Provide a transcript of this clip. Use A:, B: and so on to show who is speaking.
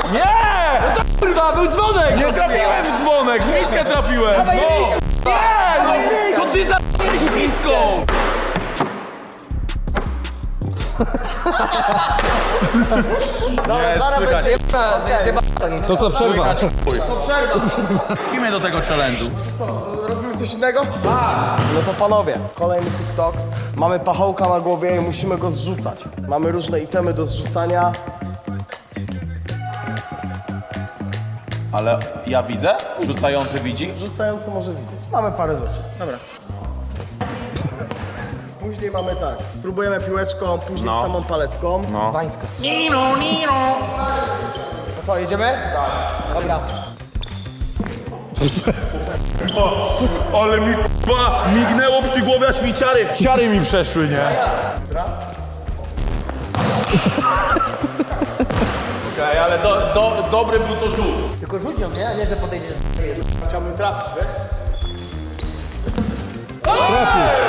A: Nie!
B: No to kurwa, był dzwonek!
A: Nie trafiłem w dzwonek, w miskę trafiłem!
B: Dawaj
A: No!
B: ryj!
A: Nie!
B: Dawaj ryj!
A: No, to ty za***ałeś miską! Nie, słychać.
B: To co, przerwa?
C: To przerwa.
A: Wrócimy do tego challenge'u.
C: Robimy coś innego? No to panowie, kolejny TikTok. Mamy pachołka na głowie i musimy go zrzucać. Mamy różne itemy do zrzucania.
A: Ale ja widzę? Rzucający widzi?
C: Rzucający może widzieć. Mamy parę rzeczy. Dobra. Później mamy tak, spróbujemy piłeczką, później samą paletką.
A: No.
B: Nino, Nino!
C: To co, jedziemy? Tak. Dobra.
A: Ale mi k***a mignęło przy głowie, aż mi ciary mi przeszły, nie? Okej, ale dobry był to rzut.
B: Tylko rzuć ją, nie? A nie, że podejdziesz.
C: Chciałbym trafić, wiesz?